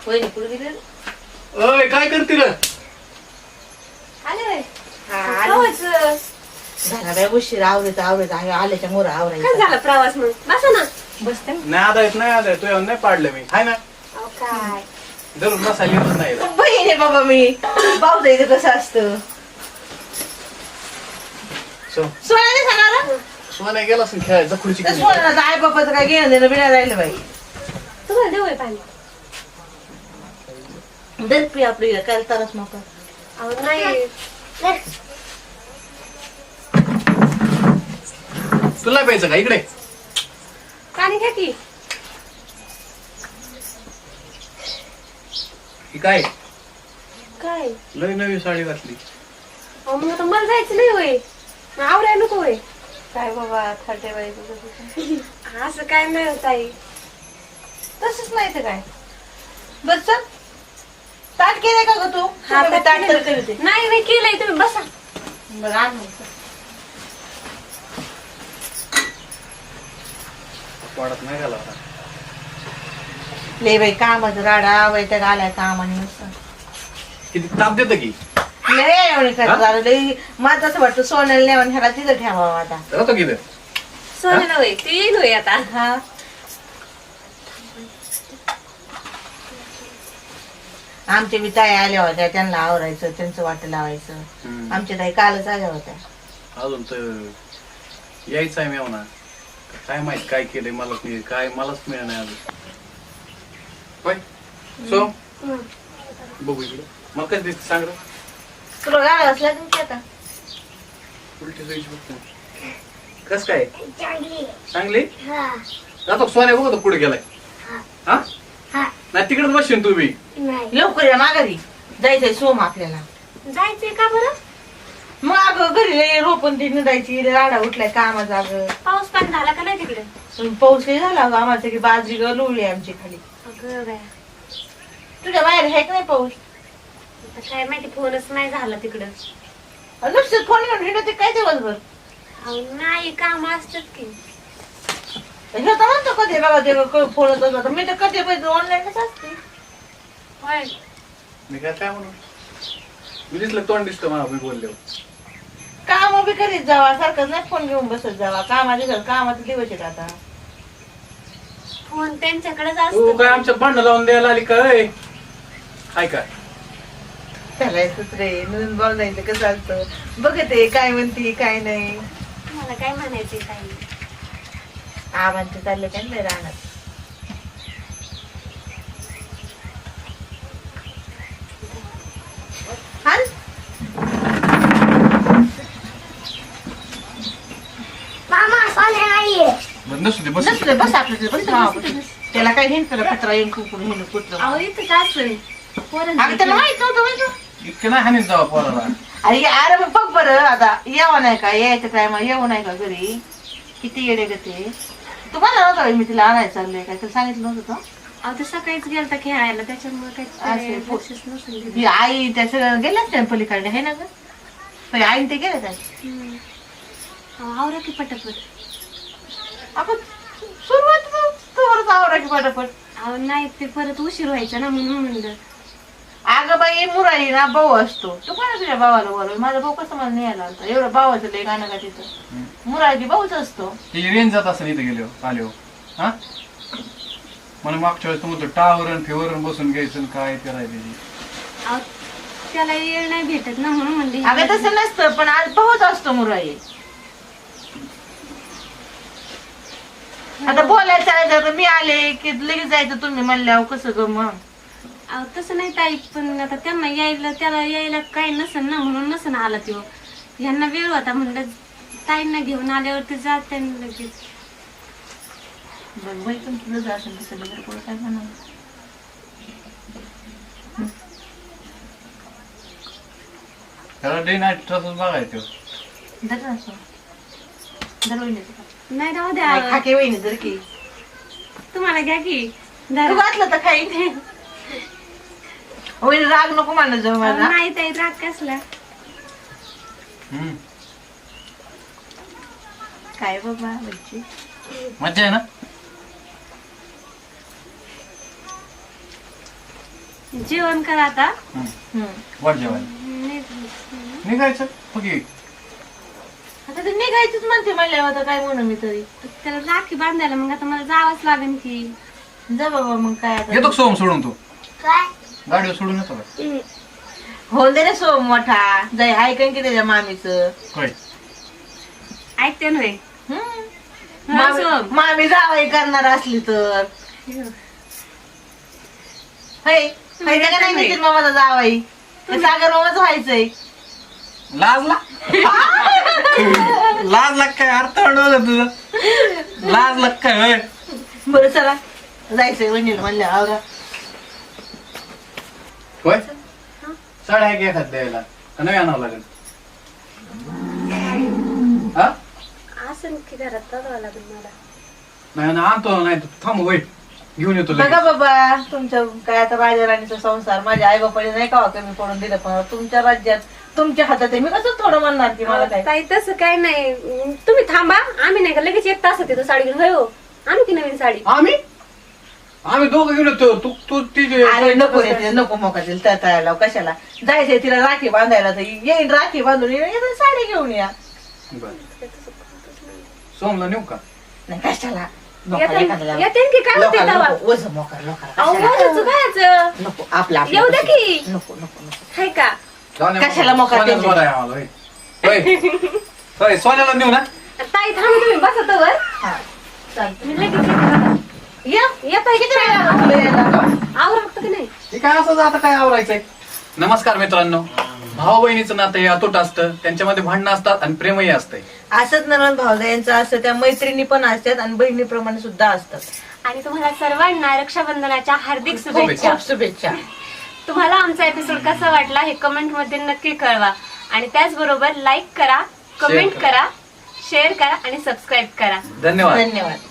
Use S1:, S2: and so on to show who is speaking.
S1: वहिनी पुढे गेले.
S2: ओय काय करते रे?
S3: आले
S1: झाला बाय उशीर आवरत आल्याच्या मोर
S3: काय
S1: आवरायचं.
S3: झालं प्रवास मग बसा ना.
S1: बसते ना.
S2: नाही आदा येत नाही आदा तू येऊन नाही पाडलं मी हाय ना
S3: अहो, काय
S2: धरून बसायला येतच नाही रे.
S1: बहीण आहे बाबा मी. भाऊ जायचं कसं असतं. सोनाने सांगा
S2: सोन्या गेला असेल खेळायचा खुर्ची घेऊन.
S1: सोनाचं आई बाबाचं काय घेणं देणं बिना राहिलं बाई.
S3: तुम्हाला देऊ पाणी.
S1: दर पी आपली काय तरच नको.
S3: अहो नाही
S2: तुला प्यायचं का इकडे?
S3: पाणी घ्या की.
S2: ही काय
S3: काय
S2: लय नवी साडी घातली.
S3: अहो मग आता मला जायचं नाही होय. आवडायला नको होय.
S1: काय बाबा थर्टे बाई तुझं
S3: असं काय नाही होत आई.
S1: तसंच नाही तर काय. बस चल ताट केलंय का ग तू?
S3: हा,
S1: मी ताट तर करते.
S3: नाही नाही केलंय तुम्ही बसा.
S1: बरं आण मग.
S2: वाढत नाही घाला आता.
S1: लय बाई कामाचं राडा वैताग आलाय कामाने नुसतं.
S2: किती ताप देतं की
S1: लय एवढे काय झालं लय. मला असं वाटतं सोन्याला नेऊन ह्याला तिथं ठेवावं आता.
S2: राहतो किती
S3: सोन्याला होय ते येईल होय आता.
S1: हा आमच्या बी ताई आल्या होत्या त्यांना आवरायचं त्यांचं वाट लावायचं. आमच्या ताई कालच आल्या होत्या.
S2: अजून तर यायचं आहे मेवना. काय माहित काय केलंय मला काय मलाच मिळणार नाही अजून. होय सो बघू इकडे मला काय दिसत सांग रे.
S1: तुला गाडा असला तुमची आता.
S2: उलटी जायची बघ. कस काय चांगली जातो सोन्या बघतो पुढे गेलाय. हा नाही तिकडेच बसशील तू बी.
S1: लवकर या माघारी जायचंय सोम आपल्याला.
S3: जायचंय का बरं?
S1: मग अगं घरी लय रोपण ती निघायची राडा उठलाय कामाचा. अगं
S3: पाऊस पाणी झाला का नाही तिकडे?
S1: पाऊस काही झाला अगं आम्हाला सगळी बाजरी गळवली आमची खाली.
S3: अगं बाया.
S1: तुझ्या बाहेर आहे का नाही पाऊस?
S3: आता काय माहिती फोनच नाही झाला तिकडं.
S1: नुसतं फोन घेऊन हिंडते काय दिवसभर.
S3: अहो नाही काम असतात की.
S1: हे तर म्हणतो कधी बघा ते फोनच असतो. मी तर कधी पैसे ऑनलाईनच असते.
S3: होय
S2: मी काय म्हणू मी दिसलं तोंड दिसतं मला मी बोलले.
S1: काम बी करीत जावा सारखं नाही फोन घेऊन बसत जावा. कामाचे दिवस आहेत आता.
S3: फोन त्यांच्याकडेच
S2: तू
S3: असतो.
S2: काय आमच्या भांडण लावून द्यायला आली काय हाय काय?
S1: चालायचंच रे नवीन बोलायचं कसं असतं. बघते काय म्हणते काय नाही.
S3: मला काय म्हणायचंय काही.
S1: आवांचे चालले काय नाही राहणार.
S2: नसू बस
S1: नसले बस आपलं त्याला काय हिंड कचरा येऊन कुठून हिंड कुठलं.
S3: अहो इथं काय असेल
S1: अगं त्याला माहित नव्हतं माहिती.
S2: इतकं नाही हानीत जावा पोराला.
S1: अरे मग बघ बरं आता यावं नाही का यायचं टायमा येऊ नाही का घरी. किती येडे ग ते. तुम्हाला नव्हतं मी तिला आणायचं चाललंय काय तर सांगितलं नव्हतं का?
S3: अहो ते सकाळीच गेलता खेळायला त्याच्यामुळे काही
S1: असेल.
S3: लक्षच नसेल.
S1: ही आई त्या सगळं गेल्याच त्या पलीकडे आहे ना ग. पण आई ते गेले काय
S3: आवरा की पटापट.
S1: आपण सुरुवात आवरा की पटापट.
S3: अहो नाही ते परत उशीर व्हायचा ना म्हणून म्हणलं.
S1: अगं बाई मुराई ना भाऊ असतो. तू कोणा तुझ्या भावाला बोलव. माझा भाऊ कसं मला न्यायला आलता. एवढं भावाचं लय गाणं का तिथं. मुराजी भाऊच असतो.
S2: ती रेंज जात असेल इथं गेलो आलो हा म्हणून मागच्या वेळेस तुम्ही टावरण फेवरण बसून घ्यायचं काय करायचं.
S3: अहो त्याला वेळ नाही भेटत ना म्हणून म्हणले.
S1: अगं तसं नसतं पण आज भाऊच असतो मुराई. आता बोलायला चालायचं तर मी आले की लगेच जायचं तुम्ही म्हणल्यावर कसं ग मग.
S3: अहो तसं नाही ताई पण आता त्यांना यायला त्याला यायला काही नसेल ना म्हणून नसेल आला तो. यांना वेळ होता म्हणलं ताईंना घेऊन आल्यावरती जात लगेच.
S1: बरं बाई पण तुझं जा असेल तसं लगेच पुढं काय म्हणा.
S2: त्याला डे नाईट तसंच बघायचं.
S1: धर ना असं. धर वहिनीचं का?
S3: नाही राहू द्या.
S1: खाके वहिनी जर की
S3: तुम्हाला घ्या की.
S1: तू घातलं तर खाईन. वहिनी राग नको मानत जाऊ मला.
S3: नाही ताई राग कसला.
S1: काय बाबा बच्ची
S2: मज्जा आहे ना.
S3: जेवण करा आता.
S1: हम्म.
S2: वाट जेवायला निघायचं ओके.
S1: आता ते निघायचंच म्हणते म्हणल्यावर आता काय म्हणू मी तरी.
S3: त्याला राखी बांधायला मग आता मला जावंच लागेल की.
S1: जा बाबा मग काय आता.
S2: येतो का सोम सोडून तू गाडीवर सोडून येतो का?
S1: हो दे रे सोम मोठा जाय ऐकन की त्याच्या मामीचं.
S2: होय
S3: ऐकते ना
S1: मामी जावाई करणार असली तर नाही नितीन मामाचा जावाई ते सागर मामाच व्हायचंय.
S2: लाजला लाजला काय अर्थ अडवलं तुझं लाजला काय होय.
S1: बरं चला जायचंय वहिनीला म्हणल्या आवरा.
S2: होय साड्या आहे की एखाद द्यायला का नाही आणावं लागेल? हा
S3: असं की घरात बघावं लागेल मला.
S2: नाही ना आणतो नाही थांब होय घेऊन येतो लगेच.
S1: बघा बाबा तुमच्या काय आता राजा राणीचा संसार माझ्या आई बापाने नाही का कमी पडून दिलं पण तुमच्या राज्यात तुमच्या हातात आहे. मी कसं थोडं म्हणणार की मला काय.
S3: ताई तसं काय नाही. तुम्ही थांबा. आम्ही नाही का लगेच 1 तास तिथं साडी घेऊन होय हो. आम्ही की नवीन साडी.
S2: आम्ही दोघं घेऊन येतो. तू तू तिचे
S1: अरे नको रे तिला नको मोका दिल तळायला कशाला जायचंय तिला राखी बांधायला तर येईन राखी बांधून येईन साडी घेऊन या.
S2: बरं सोमला नेऊ का?
S1: नाही कशाला
S3: येते की काय होते तेव्हा?
S1: वजन मोकार
S3: अहो, वजनचं कायचं?
S1: नको आपला
S3: येऊ द्या की.
S1: नको नको नको
S3: हाय का?
S2: जाऊ दे.
S1: कशाला मोकार
S2: सोन्याला
S1: द्यायचे?
S2: बरं आहे आम्हाला, होय. होय. होय सोन्याला नेऊ ना.
S3: ताई थांबा तुम्ही बसा तवर.
S1: हा चालतं.
S3: मी लगेच येते बघा. येता
S1: किती वेळ लागला तुला यायला?
S3: आवरा फक्त की नाही.
S2: हे काय असं आता काय आवरायचंय. नमस्कार मित्रांनो. भाऊ बहिणीचं नातं हे अतूट असतं. त्यांच्यामध्ये भांडणं असतात आणि प्रेमही असतंय.
S1: असंच नरण भावजायांचं असतं त्या मैत्रिणी पण असतात आणि बहिणीप्रमाणे सुद्धा असतात.
S3: आणि तुम्हाला सर्वांना रक्षाबंधनाच्या हार्दिक शुभेच्छा.
S1: खूप शुभेच्छा.
S3: तुम्हाला आमचा एपिसोड कसा वाटला हे कमेंट मध्ये नक्की कळवा. आणि त्याचबरोबर लाईक करा, कमेंट
S2: करा.
S3: करा, शेअर करा आणि सबस्क्राईब करा.
S2: धन्यवाद.
S1: धन्यवाद.